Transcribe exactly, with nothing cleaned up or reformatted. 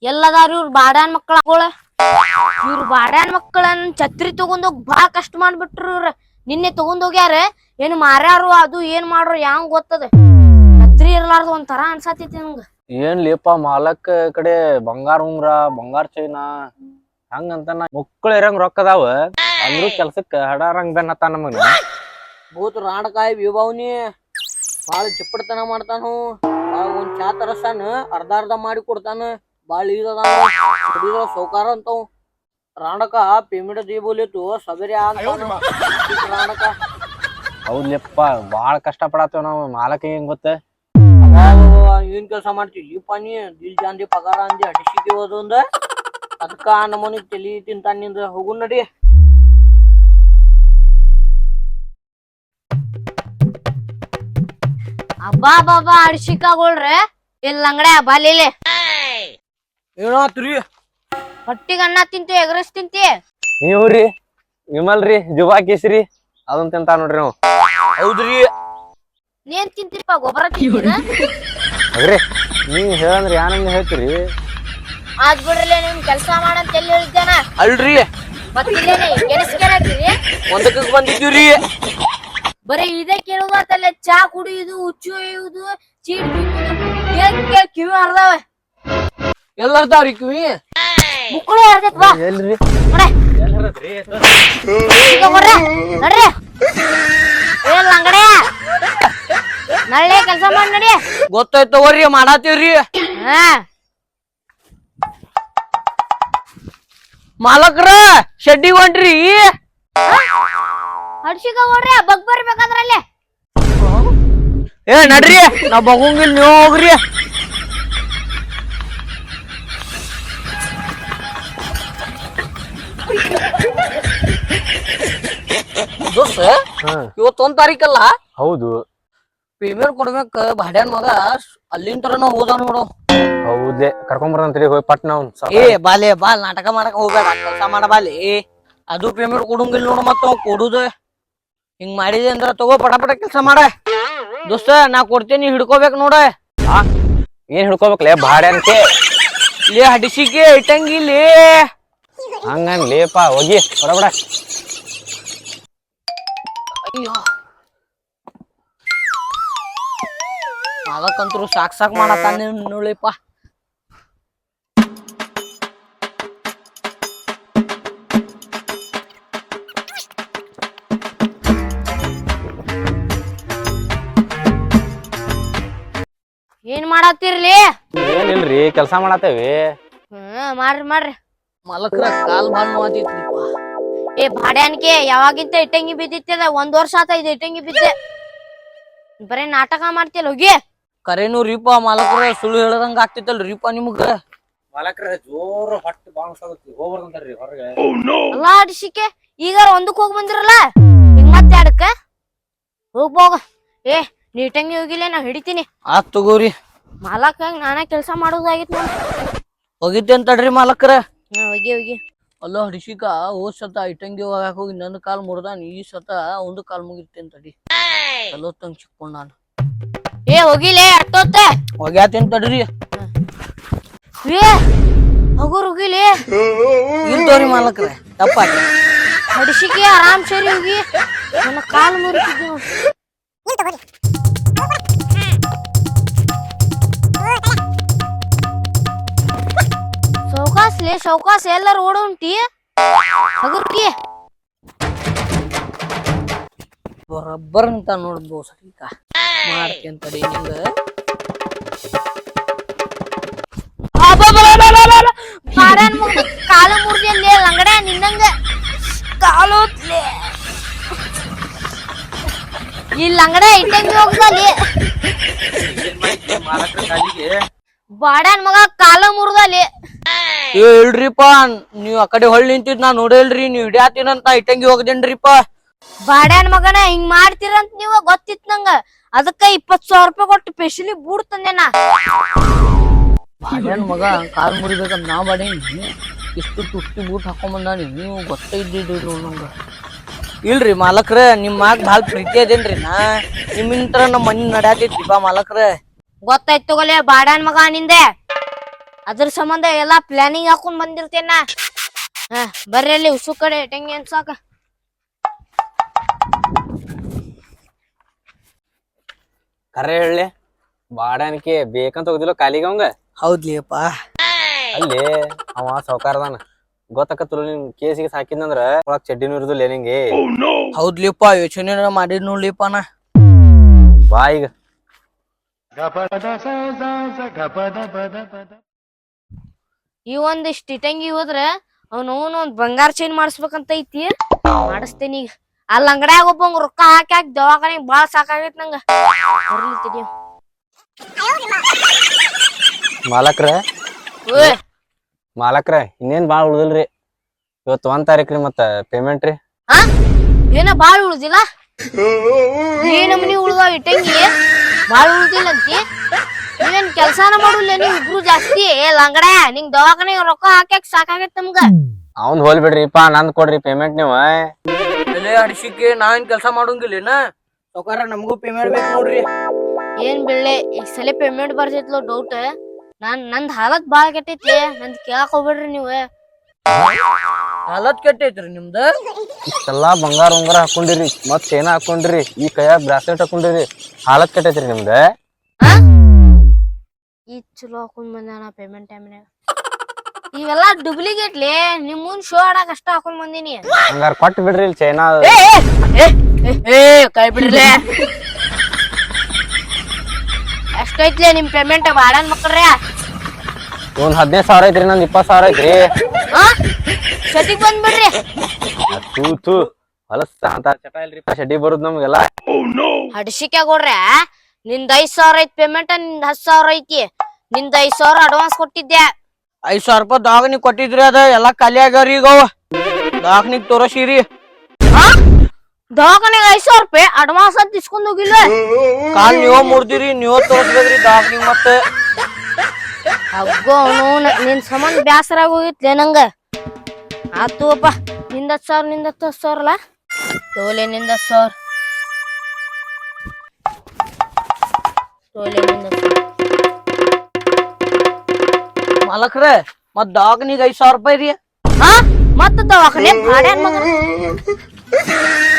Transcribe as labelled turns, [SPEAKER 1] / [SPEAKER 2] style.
[SPEAKER 1] ಎಲ್ಲದಾರು ಇವ್ರ ಬಾಡ್ಯಾನ್ ಮಕ್ಕಳ ಇವ್ರ ಬಾಡ್ಯಾನ್ ಮಕ್ಕಳನ್ ಛತ್ರಿ ತಗೊಂಡೋಗ್ ಬಾಳ ಕಷ್ಟ ಮಾಡ್ಬಿಟ್ರು ಇವ್ರ. ನಿನ್ನೆ ತಗೊಂಡೋಗ್ಯಾರ ಏನ್ ಮಾರ್ಯಾರು ಅದು ಏನ್ ಮಾಡ್ರು ಯಾಂಗ್ ಗೊತ್ತದ. ಛತ್ರಿ ಇರ್ಲಾರ್ದ ಒಂಥರ ಅನ್ಸಾತೈತಿ ನಂಗ.
[SPEAKER 2] ಏನ್ ಲೇಪ ಮಾಲಕ್ ಕಡೆ ಬಂಗಾರ ಉಂಗ್ರ ಬಂಗಾರ ಚೈನಾ ಹಂಗಂತ ಮಕ್ಕಳು ಇರಂಗ್ ರೊಕ್ಕದಾವ ಅಂದ್ರು ಕೆಲ್ಸಕ್ಕ ಹಡಾರಂಗ್ ಬೆನ್ನತ್ತ ನಮಗ.
[SPEAKER 3] ಭೂತ್ ರಾಣಕಾಯಿ ವಿಭಾವನಿ ಬಾಳ ಚಿಪ್ಪಡ್ತನ ಮಾಡ್ತಾನು. ಬಾಳ ಒಂದ್ ಚಾ ತರಸ್ತಾನ ಅರ್ಧ ಅರ್ಧ ಮಾಡಿ ಕೊಡ್ತಾನ. ಬಾಳ ಇದ ಸೌಕಾರ ಅಂತಾವ್. ರಾಣಕ ಪೇಮೆಂಟ್ ದೀಬೋಲಿತ್ತು ಸಬೇರಿ ಅಂತಾನ ರಾಣಕ.
[SPEAKER 2] ಹೌದ್ಲೆಪ್ಪ ಬಾಳ ಕಷ್ಟ ಪಡತ್ತೇವ್ ನಾವ್. ಮಾಲಕ ಹೆಂಗ್ ಗೊತ್ತ
[SPEAKER 3] ಏನ್ ಕೆಲ್ಸ ಮಾಡ್ತೀವಿ ಈ ಪಾನಿ ದಿಲ್ ಜಾಂದಿ ಪಗಾರ ಅಂದಿ ಅಡಿಸಿಗೆ ಹೋದು ಅಂದ ಅದಕ್ಕ ನಮ್ಮನಿ ತಲಿ ತಿಂತಾನ ನಿಂದ. ಹೋಗು ನಡಿ.
[SPEAKER 1] ಅಬ್ಬಾ ಬಾಬಾ ಅಡ್ಸಿಕಾಗೊಳ್ರೆ ಇಲ್ಲ ಅಂಗಡೆ ಬಾಲಿಲೆ
[SPEAKER 3] ಏನಾತ್ರಿ?
[SPEAKER 1] ಹೊಟ್ಟಿಗೆ ಅನ್ನ ತಿಂತಿ ಎಗ್ರೆಸ್ ತಿಂತಿ?
[SPEAKER 2] ನೀವ್ರಿ ವಿಮಲ್ರಿ ಜುಬಾ ಕೇಸ್ರಿ ಅದನ್ ತಿಂತಾ ನೋಡ್ರಿ ನಾವು.
[SPEAKER 3] ಹೌದ್ರಿ.
[SPEAKER 1] ನೀನ್ ತಿಂತಿಪ್ಪ ಗೊಬ್ಬರ ತಿಂತೀನ?
[SPEAKER 2] ಅಗ್ರಿ ನೀವ್ ಹೇಳಂದ್ರ ಯಾನಂದ ಹೇಳ್ತೀರಿ?
[SPEAKER 1] ಆದ್ ಬಿಡ್ರಲ್ಲ ನಿಮ್ ಕೆಲ್ಸ ಮಾಡಂತ ಎಲ್ಲಿ ಹೇಳಿದ್ದೇನ?
[SPEAKER 3] ಅಲ್ರಿ
[SPEAKER 1] ಮತ್ತಿಲ್ಲೇನೆ ಕೆಲ್ಸಕ್ಕೆ
[SPEAKER 3] ಒಂದಕ್ಕೆ ಬಂದಿದ್ದೀವ್ರಿ.
[SPEAKER 1] ಬರೀ ಇದೇ ಕೇಳುದಲ್ಲ ಚಾ ಕುಡಿಯುದು ಹುಚ್ಚು ಒಯ್ಯುದು ಚೀಟ್ ಬಿಚ್ಚುದು ಕಿವಿ ಹರ್ದಾವ.
[SPEAKER 3] ಎಲ್ಲರ್ದಾವ್ರಿ ಕಿವಿ
[SPEAKER 1] ಮುಕ್ಕಳು ಹರ್ದೈತ್ ಬಾ
[SPEAKER 2] ಎಲ್ರಿ
[SPEAKER 1] ನಡ್ರಿ ಏನ್ ಅಂಗಡೆ ನಳ್ಳೆ ಕೆಲ್ಸ ಮಾಡಿ ನಡಿ.
[SPEAKER 3] ಗೊತ್ತಾಯ್ತು ತಗೋರಿ ಮಾಡಾತೀವ್ರಿ.
[SPEAKER 1] ಹಾ
[SPEAKER 3] ಮಾಲಕ್ರ ಶೆಡ್ಡಿ ಹೊಂಟ್ರಿ?
[SPEAKER 1] ಹಡ್ಸಿಕ ಹೋಡ್ರಿ ಬಗ್ ಬರ್ಬೇಕಾದ್ರಲ್ಲೇ.
[SPEAKER 3] ಏ ನಡ್ರಿ ನಾವ್ ಬಗಂಗಿಲ್ ನೀವ್ ಹೋಗ್ರಿ. ದೋಸ್ತ ಇವತ್ತೊಂದ್ ತಾರೀಕಲ್ಲ?
[SPEAKER 2] ಹೌದು.
[SPEAKER 3] ಪೇಮೆಂಟ್ ಕೊಡ್ಬೇಕ ಬಾಡ್ಯಾನ್ ಮಗ ಅಲ್ಲಿಂದ ತರನ ಹೋದ ನೋಡು.
[SPEAKER 2] ಹೌದೇ ಕರ್ಕೊಂಬರಂತ್ರಿ ಹೋಗಿ ಪಟ್ನ ಅವ್ನ್.
[SPEAKER 3] ಏ ಬಾಲೆ ಬಾಲ್ ನಾಟಕ ಮಾಡಕ್ ಹೋಗ್ಬೇಡ ಕೆಲ್ಸ ಮಾಡ ಬಾಲಿ. ಅದು ಪೇಮೆಂಟ್ ಕೊಡಂಗಿಲ್ಲ ನೋಡು ಮತ್ತ ಕೊಡುದ ಹಿಂಗ್ ಮಾಡಿದೆ ಅಂದ್ರ ತಗೋ ಪಟ ಪಟ ಕೆಲ್ಸ ಮಾಡ. ದೋಸ್ತ ನಾ ಕೊಡ್ತೇನಿ ಹಿಡ್ಕೋಬೇಕ್ ನೋಡ.
[SPEAKER 2] ಏನ್ ಹಿಡ್ಕೋಬೇಕಲೇ ಬಾಡ್ಯಾನ್ಕೆ?
[SPEAKER 3] ಲೇ ಹಡಿಸಿಕೆ ಇಟ್ಟಂಗಿಲ್ಲಿ
[SPEAKER 2] ಹಂಗನ್ ಲೇಪ ಹೋಗಿ ಹೊರಬಿಡ.
[SPEAKER 3] ಅಯ್ಯೋ ಅದಕ್ಕಂತರು ಸಾಕ್ ಸಾಕ್ ಮಾಡತ್ತಾನ ನೋಳಿಪ್ಪ.
[SPEAKER 1] ಏನ್ ಮಾಡತ್ತಿರ್ಲಿ?
[SPEAKER 2] ಏನಿಲ್ರಿ ಕೆಲ್ಸ ಮಾಡತ್ತೇವಿ.
[SPEAKER 1] ಹ್ಮ್ ಮಾಡ್ರಿ ಮಾಡ್ರಿ.
[SPEAKER 3] ಮಲಕ್ರ ಕಾಲ್ ಬಾಳ್ ನೋವಾತಿತ್ರಿಪ್ಪ.
[SPEAKER 1] ಏ ಬಾಡ್ಯಾನ್ಕೆ ಯಾವಾಗಿಂತ ಇಟ್ಟಂಗಿ ಬಿದ್ದಿತ್ತದ ಒಂದ್ ವರ್ಷ ಆತ ಇದು ಇಟ್ಟಂಗಿ ಬಿದ್ದೆ. ಬರೇ ನಾಟಕ ಮಾಡ್ತಿಯಲ್ಲ ಹೋಗಿ.
[SPEAKER 3] ಕರೇನು ರೀಪ ಮಾಲಕ್ರ ಸುಳ್ಳು ಹೇಳದಂಗ ಆಗ್ತಿತ್ತಲ್ರಿ ರೀಪ ನಿಮ್ಗ.
[SPEAKER 2] ಮಾಲಕ್ರ ಜೋರ್ ಹೊಟ್ಟಿ ಬಾಣಸಾಗತ್ತಿ ಹೋಗ್ಬರ್ದಂತಾರ್ರಿ ಹೊರಗೆ.
[SPEAKER 1] ಅಲ್ಲಾ ಅಡಿಸಿಕೆ ಈಗ ಒಂದಕ್ ಹೋಗ್ ಬಂದಿರಲ್ಲ ಈಗ ಮತ್ತೆ ಅಡಕ್ಕ ಹೋಗ್ಬೋಗ. ಏ ನೀಟಂಗಿ ಹೋಗಿಲ್ಲ ನಾ ಹಿಡಿತೀನಿ.
[SPEAKER 3] ಆತ್ ತಗೋರಿ.
[SPEAKER 1] ಮಾಲಕ್ ನಾನ ಕೆಲ್ಸ ಮಾಡೋದಾಗಿತ್ ನೋಡ್.
[SPEAKER 3] ಹೋಗಿದ್ದೆ ಅಂತಡ್ರಿ ಮಾಲಕ್ರ.
[SPEAKER 1] ಹಾ ಹೋಗಿ ಹೋಗಿ.
[SPEAKER 3] ಅಲ್ಲೋ ಹಡಿಸಿಕ ಹೋದ್ ಸತ ಇಟ್ಟಂಗಿ ಹೋಗಾಕ ಹೋಗಿ ನನ್ನ ಕಾಲ್ ಮುರ್ದಾನ. ಈ ಸತ ಒಂದು ಕಾಲ್ ಮುಗಿರ್ತೇನ್ ತಡಿ. ಅಲ್ಲೋತ್ತಂಗ್ ಚಿಕ್ಕೊಂಡ್ ನಾನು.
[SPEAKER 1] ಏ ಹೋಗಿಲೇ ಅಟ್ಟೋತ್ತ
[SPEAKER 3] ಹೋಗ್ಯಾತೇನ್ ತಡ್ರಿ.
[SPEAKER 1] ಏ ಹೋಗೋರ್ ಹೋಗಿಲಿ.
[SPEAKER 3] ಇಲ್ತೋರಿ ಮಾಲಕ್ರ ತಪ್ಪ
[SPEAKER 1] ಹಡಿಸಿಕೆ ಆರಾಮ್ ಸರಿ ಹೋಗಿ. ನನ್ನ ಕಾಲ್ ಮುರಿತಿದ್ದೆ ಸೌಕಾಸ್ಲೆ ಸೌಕಾಸ್ ಎಲ್ಲಾರು ಓಡ ಉಂಟಿ ಹಗುರ್ಗಿ
[SPEAKER 3] ಬರಬ್ಬರ್ ಅಂತ ನೋಡ್ಬೋ ಸರಿಕ ಮಾಡ್ತೇನ್ ತಡಿ ನಿಂಗ.
[SPEAKER 1] ಕಾಲು ಮುರ್ದಿ ಲಂಗಡ ನಿನ್ನಂಗ ಕಾಲೋತ್ಲೆ ಈ ಲಂಗಡ ಇಟ್ಟಂಗಿ ಹೋಗ್ದಲ್ಲಿ ಬಾಡ್ಯಾನ್ ಮಗ ಕಾಲ ಮುರ್ದಲ್ಲಿ.
[SPEAKER 3] ಏ ಇಲ್ರಿಪ್ಪ ನೀವ್ ಆ ಕಡೆ ಹೊಳ್ ನಿಂತಿದ್ ನಾ ನೋಡಿಲ್ರಿ. ನೀವ್ ಹಿಡಿಯಾತೀನಂತ ಇಟ್ಟಂಗಿ ಹೋಗದೇನ್ರಿಪ್ಪ.
[SPEAKER 1] ಬಾಡ್ಯಾನ್ ಮಗನ ಹಿಂಗ್ ಮಾಡ್ತೀರಂತ ನೀವ ಗೊತ್ತಿತ್ ನಂಗ. ಅದಕ್ಕ ಇಪ್ಪತ್ ಸಾವಿರ ರೂಪಾಯಿ ಕೊಟ್ಟು ಸ್ಪೆಷಲಿ ಬೂಟ್ ತಂದೆ ನಾ.
[SPEAKER 3] ಬಾಡ್ಯಾನ್ ಮಗ ಕಾಲ್ ಮುರಿಬೇಕಂತ ನಾ ಬಾಡೇನಿ. ಇಷ್ಟು ತುಟ್ಟಿ ಬೂಟ್ ಹಾಕೊಂಬಂದಾನಿ. ನೀವು ಗೊತ್ತ ಇದ್ದಿದ್ರಿ ನಂಗ. ಇಲ್ರಿ ಮಾಲಕ್ರ ನಿಮ್ ಮಾಗ್ ಬಾಳ್ ಪ್ರೀತಿ ಅದೇನ್ರಿ. ನಾ ನಿಮ್ಮಿಂತ್ರ ನಮ್ ಮನಿ ನಡ್ಯಾತೈತ್ರಿ ಬಾ ಮಾಲಕ್ರ.
[SPEAKER 1] ಗೊತ್ತಾಯ್ತು ತಗೋಲೆ ಬಾಡ್ಯಾನ್ ಮಗ ನಿಂದೆ. ಅದ್ರ ಸಂಬಂಧ ಎಲ್ಲಾ ಪ್ಲಾನಿಂಗ್ ಹಾಕೊಂಡ್ ಬಂದಿರ್ತೇನ. ಹ ಬರ್ರಿ ಅಲ್ಲಿ ಉಸು ಕಡೆ ಟಂಗಿ ಅನ್ಸಾಕ.
[SPEAKER 2] ಕರೆ ಹೇಳಿ ಬಾಡಾನಿಕೆ ಬೇಕಂತ ಹೋಗುದಿಲ್ಲ ಕಾಲಿಗೆ ಅವಂಗ.
[SPEAKER 3] ಹೌದ್ಲಿಯಪ್ಪ.
[SPEAKER 2] ಅಲ್ಲಿ ಅವ ಸಾವ್ಕಾರದಾನ ಗೊತ್ತಾಕತ್ತಲ್ಲ ನಿನ್ ಕೇಸಿಗೆ ಹಾಕಿದ್ನಂದ್ರ ಒಳಗ್ ಚಡ್ಡಿನೂ ಇರುದಿಲ್ಲ ನಿಂಗೆ.
[SPEAKER 3] ಹೌದ್ಲಿಪ್ಪ ಯೋಚನೆ ಮಾಡಿದ್ ನೋಡ್ಲಿಪ್ಪ ನಾ.
[SPEAKER 2] ಬಾ ಈಗ
[SPEAKER 1] ಈ ಒಂದಿಷ್ಟ್ ಇಟಂಗಿ ಹೋದ್ರ ಅವ್ನ ಒಂದ್ ಬಂಗಾರ ಚೈನ್ ಮಾಡಿಸ್ಬೇಕಂತ ಐತಿ. ಮಾಡಿಸ್ತೇನಿ ಈಗ. ಅಲ್ಲಿ ಅಂಗಡ್ಯಾಗ ಒಬ್ಬಂಗ್ ರೊಕ್ಕ ಹಾಕಿ ಹಾಕಿ ದವಾಖಾನಿಗ್ ಬಾಳ ಸಾಕಾಗೈತ್ ನಂಗ. ಬರ್ಲಿ ತಡಿ.
[SPEAKER 2] ಮಾಲಕ್ರ
[SPEAKER 1] ಓಯ್
[SPEAKER 2] ಮಾಲಕ್ರ ಇನ್ನೇನ್ ಬಾಳ್ ಉಳ್ದಿಲ್ರಿ. ಇವತ್ತು ಒಂದ್ ತಾರೀಕ್ ರೀ ಮತ್ತ ಪೇಮೆಂಟ್ ರೀ.
[SPEAKER 1] ಹಾ ಏನ ಬಾಳ್ ಉಳ್ದಿಲ್ಲ. ಏನ ಮನಿ ಉಳ್ದಾವ ಇಟ್ಟಂಗಿ ಬಾಳ್ ಉಳ್ದಿಲ್ಲ ಅಂತಿ. ನೀವೇನ್ ಕೆಲ್ಸಾನ ಮಾಡುಲ್ಲ ನೀವ್ ಇಬ್ರು ಜಾಸ್ತಿ. ಲಂಗಡ ನಿಂಗ್ ದವಾಖಾನಿಗ್ ರೊಕ್ಕ ಹಾಕ್ಯಾಕ್ ಸಾಕಾಗೈತ್ ನಮ್ಗ.
[SPEAKER 2] ಅವ್ನ್ ಹೋಲ್ ಬಿಡ್ರಿಪಾ ನಂದ್ ಕೊಡ್ರಿ ಪೇಮೆಂಟ್ ನೀವು.
[SPEAKER 3] ಬೆಲೆ ಅಡಿಸಿಕೆ ನಾ ಏನ್ ಕೆಲ್ಸ ಮಾಡೋಂಗಿಲ್ಲೇನ ಸೌಕಾರ ನಮಗೂ ಪೇಮೆಂಟ್ ಬೇಕು ನೋಡ್ರಿ.
[SPEAKER 1] ಏನ್ ಬಿಡ್ಲೆ ಈ ಸಲ ಪೇಮೆಂಟ್ ಬರ್ತೈತ್ಲೋ ಡೌಟ್. ನಾನ್ ನಂದ್ ಹಾಲತ್ ಬಾಳ ಕೆಟ್ಟೈತಿ. ನಂದ್ ಕೇಳಾಕ್ ಹೋಗ್ಬೇಡ್ರಿ ನೀವ್.
[SPEAKER 3] ಹಾಲತ್ ಕೆಟ್ಟೈತ್ರಿ ನಿಮ್ದ.
[SPEAKER 2] ಇಷ್ಟೆಲ್ಲಾ ಬಂಗಾರ ಉಂಗಾರ ಹಾಕೊಂಡಿರಿ ಮತ್ ಚೈನ ಹಾಕೊಂಡಿರಿ ಈ ಕೈಯಾಗ ಬ್ರಾಸ್ಲೆಟ್ ಹಾಕೊಂಡಿರಿ ಹಾಲತ್ ಕೆಟ್ಟೈತ್ರಿ ನಿಮ್ದ.
[SPEAKER 1] ಈ ಚಲೋ ಹಾಕೊಂಡ್ ಬಂದಾನ ಪೇಮೆಂಟ್ ಟೈಮ್ನಾಗ. ಇವೆಲ್ಲಾ ಡುಪ್ಲಿಕೇಟ್ಲಿ ನಿಮ್ ಮುಂದ್ ಶೋ ಆಡಕ್ ಅಷ್ಟ ಹಾಕೊಂಡ್ ಬಂದಿನಿ.
[SPEAKER 2] ಹಂಗಾರ ಕೊಟ್ಟು ಬಿಡ್ರಿ ಇಲ್ಲಿ ಚೈನಾ.
[SPEAKER 1] ಏ ಕೈ ಬಿಡ್ರಿ. ಎಷ್ಟೈತ್ಲೆ ನಿಮ್ ಪೇಮೆಂಟ್ ಬಾಡನ್ ಮಕ್ಕಳ್ರೆ.
[SPEAKER 2] ಒಂದ್ ಹದಿನೈದು ಸಾವಿರ ಐತ್ರಿ ನಂದ್ ಇಪ್ಪತ್ ಸಾವಿರ ಐತ್ರಿ.
[SPEAKER 1] ಹಾ ಶೆಟ್ಟಿಗ್ ಬಂದ್ಬಿಡ್ರಿ.
[SPEAKER 2] ತೂ ತೂ ಹೊಲಸ್ ಅಂತ ಚಟ ಇಲ್ರಿಪ್ಪ ಶೆಡ್ಡಿ ಬರುದ್ ನಮ್ಗೆಲ್ಲ.
[SPEAKER 1] ಹಡ್ಸಿಕೆ ಕೊಡ್ರೆ ನಿಂದ್ ಐದ್ ಸಾವಿರ ಐತ್ ಪೇಮೆಂಟ್. ನಿಂದ್ ಹತ್ ಸಾವಿರ ಐತಿ. ನಿಂದ್ ಐದ್ ಸಾವಿರ ಅಡ್ವಾನ್ಸ್ ಕೊಟ್ಟಿದ್ದೆ.
[SPEAKER 3] ಐದ್ ಸಾವಿರ ರೂಪಾಯಿ ದವಾಖಾನಿಗ್ ಕೊಟ್ಟಿದ್ರಿ ಅದ ಎಲ್ಲಾ ಖಾಲಿ ಆಗ್ಯಾವ್ರಿ ಈಗ ಅವ. ದವಾಖಾನಿಗ್ ತೋರಸಿರಿ.
[SPEAKER 1] ಹಾ ದವಾಖಾನಿಗ್ ಐದ್ ಸಾವಿರ ರೂಪಾಯಿ ಅಡ್ವಾನ್ಸ್ ಅಂತ ಇಸ್ಕೊಂಡ್ ಹೋಗಿಲ್ಲ.
[SPEAKER 3] ಕಾಲ್ ನೀವ ಮುರ್ದಿರಿ ನೀವ ತೋರ್ಸ್ಬೇಕ್ರಿ ದವಾಖಾನಿಗ್ ಮತ್ತೆ.
[SPEAKER 1] ಅಗ್ಗೋ ಅವನು ನಿನ್ ಸಂಬಂಧ ಬ್ಯಾಸರ ಆಗೋಗಿತ್ಲೆ ನಂಗ. ಆತುವಪ್ಪ ನಿಂದ ಹತ್ ಸಾವಿರ ನಿಂದ ಹತ್ತು ಸಾವಿರ ಅಲ್ಲ ತೋಲೆ ನಿಂದ ಹತ್ ಸಾವಿರ. ತೋಲೆ ನಿಂದ ಹತ್ ಸಾವಿರ.
[SPEAKER 3] ಮಾಲಕ್ರೆ ಮತ್ ದವಾಖಾನಿಗ್ ಐದ್ ಸಾವಿರ ರೂಪಾಯಿ ರೀ.
[SPEAKER 1] ಹಾ ಮತ್ತ ದವಾಖಾನೆ ಭಾಡ್ಯಾನ್ ಮಗನ.